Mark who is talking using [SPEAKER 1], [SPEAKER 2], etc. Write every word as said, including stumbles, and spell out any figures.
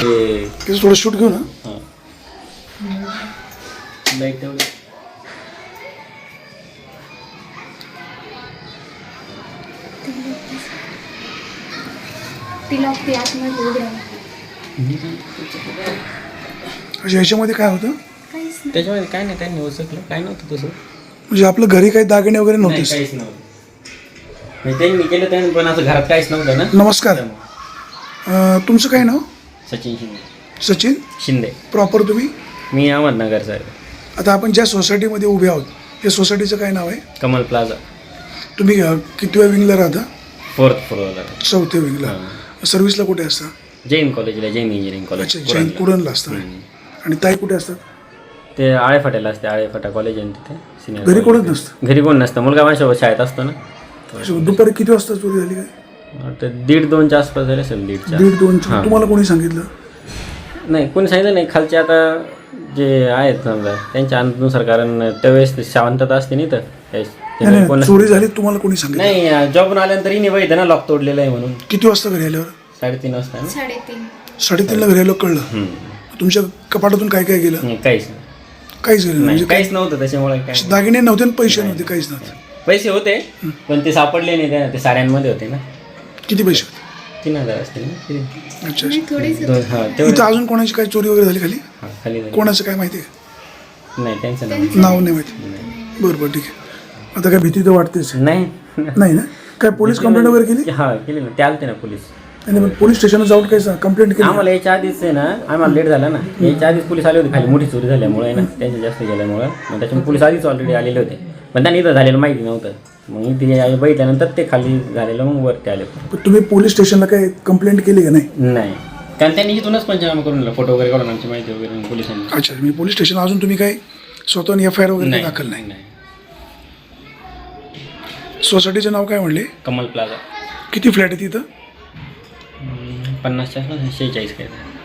[SPEAKER 1] ते
[SPEAKER 2] त्याचं थोडं शूट घेऊ ना.
[SPEAKER 1] हां लाईक तेवढं
[SPEAKER 3] ती लॉक ती आतमध्ये उघड्या
[SPEAKER 2] म्हणजे ह्याच्यामध्ये काय होतं
[SPEAKER 3] काहीच नाही.
[SPEAKER 1] त्याच्यामध्ये काय नाही, त्यांनी उचकलं काय नव्हतं तसं.
[SPEAKER 2] म्हणजे आपलं घरी काही दागिने वगैरे
[SPEAKER 1] नाही
[SPEAKER 2] नव्हतेच.
[SPEAKER 1] काहीच नव्हतं. म्हणजे त्यांनी केलं त्यांनी पण असं घरात काहीच नव्हतं ना.
[SPEAKER 2] नमस्कार. अं, तुमचं काय नाव?
[SPEAKER 1] सचिन शिंदे.
[SPEAKER 2] सचिन.
[SPEAKER 1] शिंदे.
[SPEAKER 2] प्रॉपर तुम्ही?
[SPEAKER 1] मी अहमदनगर सर.
[SPEAKER 2] आता आपण ज्या सोसायटीमध्ये उभे आहोत त्या सोसायटीचं काय नाव आहे?
[SPEAKER 1] कमल प्लाझा.
[SPEAKER 2] तुम्ही अं, कितव्या विंगला राहता?
[SPEAKER 1] फोर्थ फ्लोअरला.
[SPEAKER 2] चौथ्या विंगला. सर्व्हिसला कुठे असता?
[SPEAKER 1] जैन कॉलेजला, जैन इंजिनिअरिंग कॉलेज.
[SPEAKER 2] अच्छा, जैन कुरणला असता. आणि ताई कुठे असतात?
[SPEAKER 1] ते आळेफाट्याला असते, आळेफाटा कॉलेज आहे तिथे सिनियर.
[SPEAKER 2] घरी कोणच नसतं?
[SPEAKER 1] घरी कोण नसतं, मुलगा माझ्यासोबत शाळेत असतो ना.
[SPEAKER 2] अच्छा, दुपारी किती वाजता चोरी झाली काय?
[SPEAKER 1] तर दीड दोनच्या आसपास झाले असेल. दीडच्या
[SPEAKER 2] दीड दोन. तुम्हाला कोणी सांगितलं?
[SPEAKER 1] नाही कोणी सांगितलं नाही. खालचे आता जे आहेत समजा त्यांच्या अनुसार, कारण त्यावेळेस शांतता असते नाही तर
[SPEAKER 2] नाही, नाही,
[SPEAKER 1] कोण
[SPEAKER 2] चोरी झाली तुम्हाला कोणी सांगितलं?
[SPEAKER 1] नाही. जॉबून आल्यानंतर हिने बघितलं ना लॉक तोडलेलं आहे म्हणून.
[SPEAKER 2] किती वाजता घरी आल्यावर?
[SPEAKER 1] साडेतीन वाजता ना.
[SPEAKER 3] साडेतीन
[SPEAKER 2] साडेतीनला घरी आल्यावर कळलं. तुमच्या कपाटातून काय काय गेलं?
[SPEAKER 1] नाही काहीच नाही.
[SPEAKER 2] काहीच गेलं नाही.
[SPEAKER 1] नाही
[SPEAKER 2] म्हणजे
[SPEAKER 1] काहीच नव्हतं त्याच्यामुळे काय.
[SPEAKER 2] दागिने नव्हते आणि पैसे नव्हते, काहीच नव्हते.
[SPEAKER 1] पैसे होते पण ते सापडले नाही. त्या ते साड्यांमध्ये होते ना.
[SPEAKER 2] किती पैसे होते?
[SPEAKER 1] तीन हजार असतील ना किती?
[SPEAKER 2] अच्छा
[SPEAKER 3] नाही थोडीच
[SPEAKER 1] दोन हां
[SPEAKER 2] इथं
[SPEAKER 1] तेवढं.
[SPEAKER 2] अजून कोणाची काही चोरी वगैरे झाली खाली?
[SPEAKER 1] हां खाली झाली.
[SPEAKER 2] कोणाचं काय माहिती आहे?
[SPEAKER 1] नाही त्यांचं नाव
[SPEAKER 2] नाव नाही माहिती. बरं बरं ठीक आहे. आता काय भीती तर वाटतेच
[SPEAKER 1] नाही.
[SPEAKER 2] नाही ना? काय पोलीस कंप्लेंट वगैरे केली?
[SPEAKER 1] हां केली ना. ते आलते ना पोलीस.
[SPEAKER 2] आणि मग पोलीस स्टेशनला जाऊन काय कंप्लेंट केली?
[SPEAKER 1] आम्हाला याच्या आधीच आहे ना, आम्हाला लेट झाला ना. याच्या आधीच पोलीस आले होते खाली, मोठी चोरी झाल्यामुळे ना, त्यांच्या जास्त गेल्यामुळं. मग त्याच्यामुळे पोलीस आधीच ऑलरेडी आलेले होते. पण त्यांनी इथं झालेलं माहिती नव्हतं. मग इथे बघितल्यानंतर ते खाली झालेलं मग वरती आले.
[SPEAKER 2] पण तुम्ही पोलीस स्टेशनला काय कंप्लेंट केली का नाही?
[SPEAKER 1] नाही कारण त्यांनी इथूनच पंचनामा करून दिला, फोटो वगैरे काढून आमची माहिती वगैरे पोलिसांनी.
[SPEAKER 2] अच्छा, मी पोलीस स्टेशन अजून तुम्ही काय स्वतः एफ आय आर वगैरे दाखल नाही?
[SPEAKER 1] नाही.
[SPEAKER 2] सोसायटीचं नाव काय म्हणले?
[SPEAKER 1] कमल प्लाझा.
[SPEAKER 2] किती फ्लॅट आहे तिथं?
[SPEAKER 1] पन्नासच्या शेहेचाळीस काय.